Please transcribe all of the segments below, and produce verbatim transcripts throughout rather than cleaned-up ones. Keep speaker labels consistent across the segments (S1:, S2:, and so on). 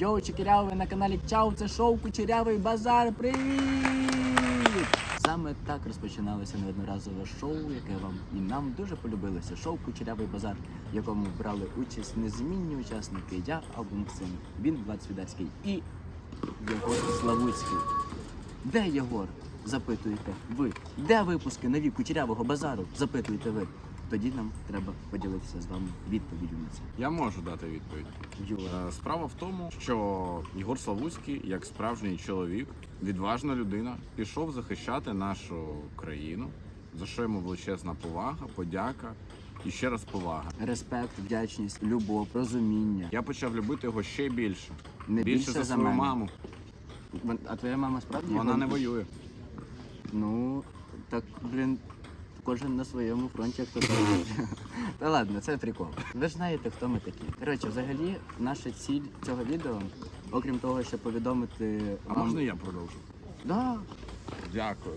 S1: Йоу, чекіряви, ви на каналі Чау, це шоу Кучерявий базар. Привіт! Саме так розпочиналося неодноразове шоу, яке вам і нам дуже полюбилося. Шоу Кучерявий базар, в якому брали участь незмінні учасники. Я, Албу Максим, він, Влад Свідацький і Єгор Славутський. Де Єгор? Запитуєте ви. Де випуски нові Кучерявого базару? Запитуєте ви. Тоді нам треба поділитися з вами відповіддю на це.
S2: Я можу дати відповідь.
S1: Юра.
S2: Е, Справа в тому, що Єгор Славутський, як справжній чоловік, відважна людина, пішов захищати нашу країну, за що йому величезна повага, подяка і ще раз повага.
S1: Респект, вдячність, любов, розуміння.
S2: Я почав любити його ще більше.
S1: Не
S2: більше
S1: більше
S2: за
S1: за
S2: свою
S1: мене.
S2: маму.
S1: Вон- А твоя мама справді?
S2: Вона
S1: його-
S2: не воює.
S1: Ну, так, блін, кожен на своєму фронті, як то кажуть. Та ладно, це прикол. Ви ж знаєте, хто ми такі. Коротше, взагалі, наша ціль цього відео, окрім того, щоб повідомити
S2: А
S1: вам...
S2: можна я продовжу?
S1: Да.
S2: Дякую.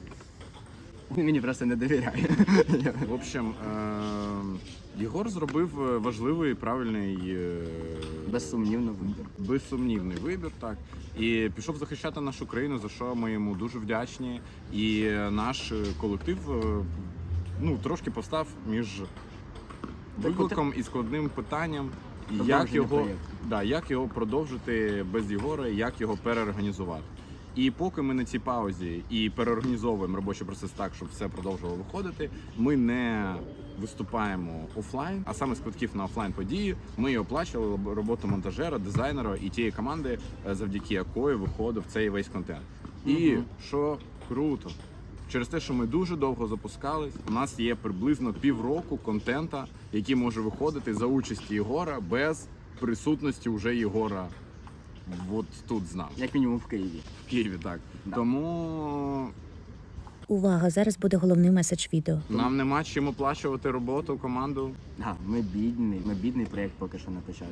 S1: Він мені просто не довіряє.
S2: В общем, е- Єгор зробив важливий, правильний, е-
S1: Безсумнівно вибір.
S2: безсумнівний вибір, так. І пішов захищати нашу країну, за що ми йому дуже вдячні. І наш колектив е, ну, трошки постав між викликом і складним питанням, як
S1: Продовження
S2: його,
S1: проєкту.
S2: да, як його продовжити без Єгора, як його переорганізувати. І поки ми на цій паузі і переорганізовуємо робочий процес так, щоб все продовжувало виходити, ми не виступаємо офлайн, а саме з квитків на офлайн події ми і оплачували роботу монтажера, дизайнера і тієї команди, завдяки якої виходив цей весь контент. І
S1: Мгм.
S2: що круто, через те, що ми дуже довго запускались, у нас є приблизно півроку контента, який може виходити за участі Єгора без присутності уже Єгора от тут з нами.
S1: Як мінімум в Києві.
S2: В Києві, так.
S1: Да.
S2: Тому
S3: Увага! Зараз буде головний меседж відео.
S2: нам нема чим оплачувати роботу, команду.
S1: А, ми бідний, ми бідний проєкт поки що на початку.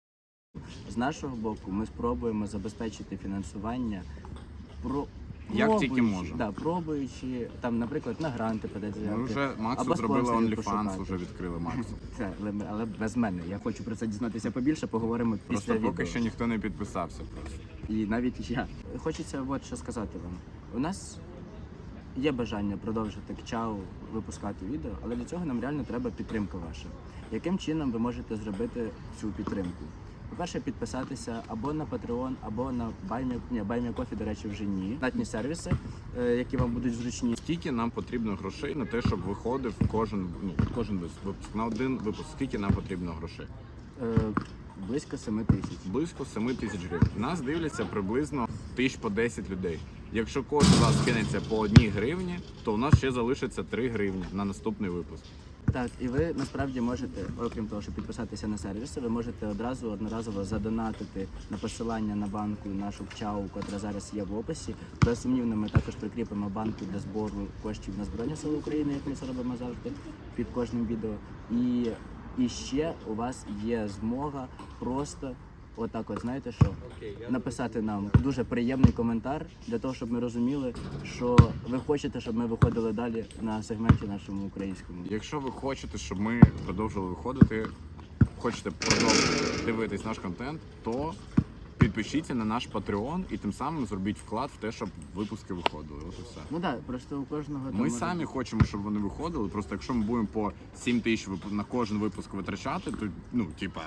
S1: З нашого боку ми спробуємо забезпечити фінансування про
S2: Як
S1: пробуючи-
S2: тільки можемо.
S1: Да, пробуючи, там, наприклад, на гранти подати заявки.
S2: Ми вже Максу
S1: Або
S2: зробили
S1: спонсорів
S2: OnlyFans,
S1: пошукати.
S2: вже відкрили Максу.
S1: Це, але, але без мене. Я хочу про це дізнатися побільше, поговоримо
S2: Просто
S1: після
S2: поки
S1: відео.
S2: що ніхто не підписався просто.
S1: І навіть я. Хочеться от що сказати вам. У нас є бажання продовжити КЧАУ випускати відео, але для цього нам реально треба підтримка ваша. Яким чином ви можете зробити цю підтримку? По-перше, підписатися або на Patreon, або на Buy Me, ні, Buy Me Coffee, до речі, вже ні. Платні сервіси, е, які вам будуть зручні.
S2: Скільки нам потрібно грошей на те, щоб виходив кожен, ну, кожен випуск? На один випуск скільки нам потрібно грошей?
S1: Е, близько семи тисяч.
S2: Близько семи тисяч гривень. Нас дивляться приблизно тисяч по десять людей. Якщо кожен з вас кинеться по одній гривні, то у нас ще залишиться три гривні на наступний випуск.
S1: Так, і ви насправді можете, окрім того, щоб підписатися на сервіси, ви можете одразу одноразово задонатити на посилання на банку нашу КЧАУ, котра зараз є в описі. Безсумнівно, ми також прикріпимо банку для збору коштів на Збройні Сили України, як ми це робимо завжди під кожним відео. І, і ще у вас є змога просто отак от, знаєте що, написати нам дуже приємний коментар для того, щоб ми розуміли, що ви хочете, щоб ми виходили далі на сегменті нашому українському.
S2: Якщо ви хочете, щоб ми продовжували виходити, хочете продовжувати дивитись наш контент, то підпишіться на наш Patreon і тим самим зробіть вклад в те, щоб випуски виходили. От і все.
S1: Ну так, да, просто у кожного там
S2: Ми
S1: може-
S2: самі хочемо, щоб вони виходили. Просто якщо ми будемо по сім тисяч вип- на кожен випуск витрачати, то ну типа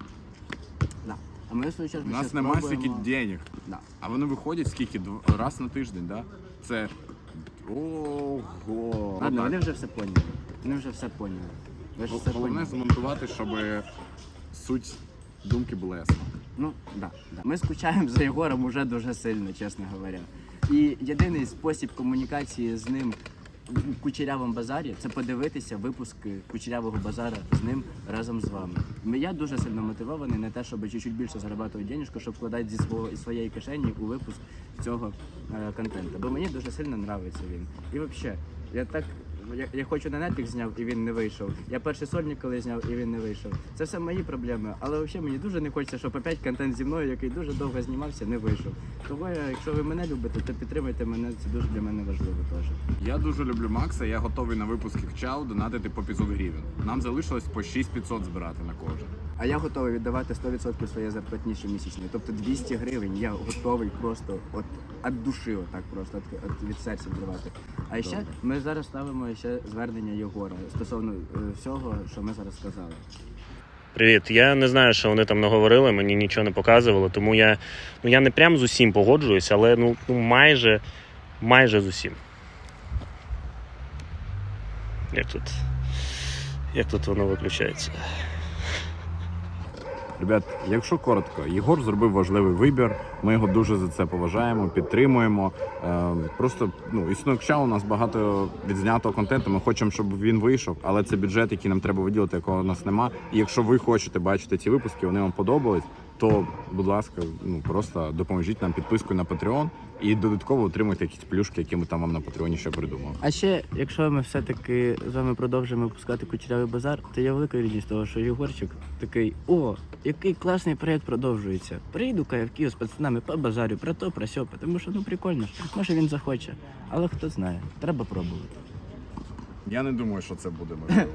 S1: Да. А ми в свою чергу
S2: у нас
S1: ще
S2: немає
S1: спробуємо-
S2: стільки денег.
S1: Да.
S2: А вони виходять скільки Дв- раз на тиждень, да? Це ого.
S1: Ладно,
S2: Отак.
S1: вони вже все поняли. Вони вже все поняли. Ви ж все
S2: Головне
S1: поняли.
S2: змонтувати, щоб суть думки була ясна.
S1: Ну, да, да. Ми скучаємо за Єгором уже дуже сильно, чесно говоря. І єдиний спосіб комунікації з ним в Кучерявому базарі це подивитися випуски Кучерявого базара з ним разом з вами. Ми- Я дуже сильно мотивований на те, щоб чуть-чуть більше заробляти денежку, щоб вкладати зі свого із своєї кишені у випуск цього е, контенту. Бо мені дуже сильно подобається він. І взагалі, я так Я, я хочу на Netflix зняв і він не вийшов. Я перший сольник коли зняв і він не вийшов. Це все мої проблеми. Але взагалі мені дуже не хочеться, щоб опять контент зі мною, який дуже довго знімався, не вийшов. Тому я, якщо ви мене любите, то підтримуйте мене. Це дуже для мене важливо теж.
S2: Я дуже люблю Макса, я готовий на випуски КЧАУ донатити по п'ятсот гривень. Нам залишилось по шість тисяч п'ятсот збирати на кожен.
S1: А я готовий віддавати сто відсотків своєї зарплатні щомісячної. Тобто двісті гривень я готовий просто от від душі, отак просто от, от від серця віддавати. А ще
S2: Добре.
S1: ми зараз ставимо ще звернення Єгора стосовно е, всього, що ми зараз сказали.
S4: Привіт. Я не знаю, що вони там наговорили, мені нічого не показувало, тому я, ну, я не прям з усім погоджуюсь, але ну, ну майже, майже з усім. Як тут, як тут воно виключається?
S2: Ребят, якщо коротко, Єгор зробив важливий вибір. Ми його дуже за це поважаємо, підтримуємо. Е, просто ну, існує КЧАУ, у нас багато відзнятого контенту. Ми хочемо, щоб він вийшов, але це бюджет, який нам треба виділити, якого у нас нема. І якщо ви хочете бачити ці випуски, вони вам подобались, то, будь ласка, ну просто допоможіть нам підпискою на Patreon і додатково отримуйте якісь плюшки, які ми там вам на Патреоні ще придумали.
S1: А ще, якщо ми все-таки з вами продовжимо випускати Кучерявий базар, то я велика радість того, що Єгорчик такий: о, який класний проєкт продовжується. Приїду в Київ з пацанами по базарю, про то, про сьо, тому що ну прикольно ж, може він захоче. Але хто знає, треба пробувати.
S2: Я не думаю, що це буде можливо.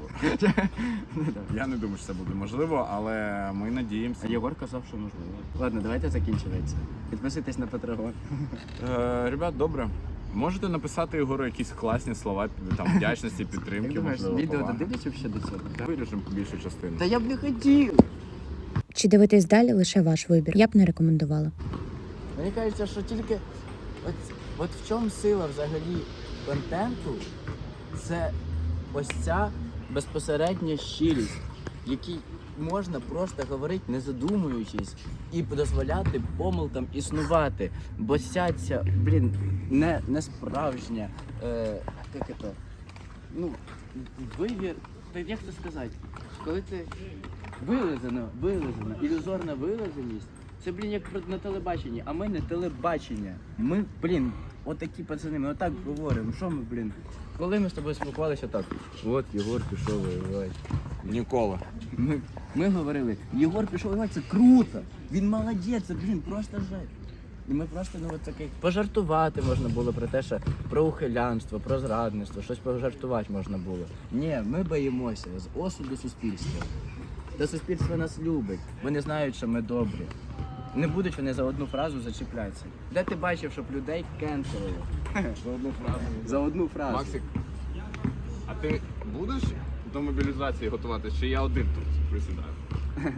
S2: Я не думаю, що це буде можливо, але ми надіємося.
S1: А Єгор казав, що можливо. Ладно, давайте закінчувати це. Підписуйтесь на Patreon.
S2: Е, ребят, добре. Можете написати Єгору якісь класні слова там, вдячності,
S1: Як
S2: підтримки,
S1: думаєш,
S2: можливо,
S1: відео
S2: поваги.
S1: додивляться ще до цього?
S2: Вирішимо більшу частину.
S1: Та я б не хотів!
S3: Чи дивитись далі лише ваш вибір? Я б не рекомендувала.
S1: Мені кажеться, що тільки от, от в чому сила взагалі контенту, це ось ця безпосередня щирість, в якій можна просто говорити, не задумуючись, і дозволяти помилкам існувати. Бо ця, ця блін, не, не справжня, е, як це, ну, вибір, так як це сказати, коли ти вилизано, вилизано, ілюзорна вилизаність, це, блін, як про- на телебаченні, а ми не телебачення. Ми, блін, отакі пацани, ми отак говоримо, що ми, блін, коли ми з тобою спілкувалися так, от Єгор пішов воювати.
S2: Ніколи.
S1: Ми, ми говорили, Єгор пішов воювати, це круто, він молодець, це, блін, просто жаль. І ми просто, ну, от таке, пожартувати можна було про те, що про ухилянство, про зрадництво, щось пожартувати можна було. Ні, ми боїмося з осуду суспільства. Та суспільство нас любить, вони знають, що ми добрі. Не будуть вони за одну фразу зачіплятися. Де ти бачив, щоб людей кенселили?
S2: За одну фразу.
S1: За одну фразу.
S2: Максик, а ти будеш до мобілізації готуватися, чи я один тут присідаю?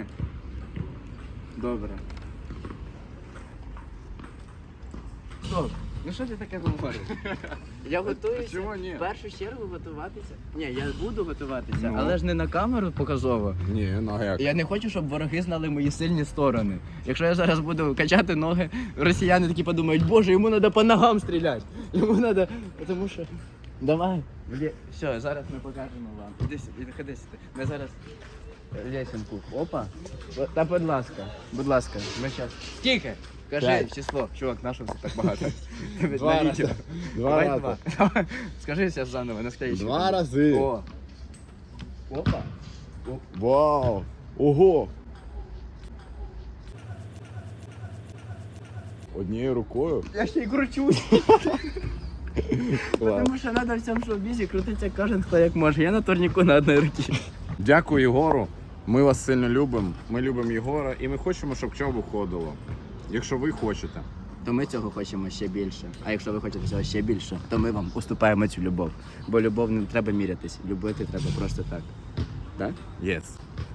S1: Добре. Стоп. Ну що ти таке говориш? Я готуюся
S2: чого ні?
S1: в першу чергу готуватися. Ні, я буду готуватися,
S2: Ну.
S1: але ж не на камеру показово.
S2: Ні, ну а як?
S1: Я не хочу, щоб вороги знали мої сильні сторони. Якщо я зараз буду качати ноги, росіяни такі подумають, боже, йому треба по ногам стріляти. Йому треба, тому що... Давай. Все, зараз ми покажемо вам. Іди сюди, ходи сюди. Ми зараз лесенку. Опа. О, та будь ласка, будь ласка, ми зараз. Скільки? Кажи
S2: П'ять.
S1: число. Чувак, на що це так багато?
S2: Два
S1: На
S2: рази.
S1: відео.
S2: Два
S1: Давай
S2: рази.
S1: два. Давай. Скажи зараз заново, на скоріше.
S2: Два рази.
S1: О. Опа.
S2: Вау! Ого! Однією рукою?
S1: Я ще й кручусь. Тому що треба в цьому шоу-бізі крутитися кожен хто як може. Я на турніку на одній руці.
S2: Дякую, Єгору. Ми вас сильно любимо. Ми любимо Єгора і ми хочемо, щоб ЧАУ виходило. Якщо ви хочете.
S1: То ми цього хочемо ще більше. А якщо ви хочете цього ще більше, то ми вам уступаємо цю любов. Бо любов не треба мірятись. Любити треба просто так. Так?
S2: Yes.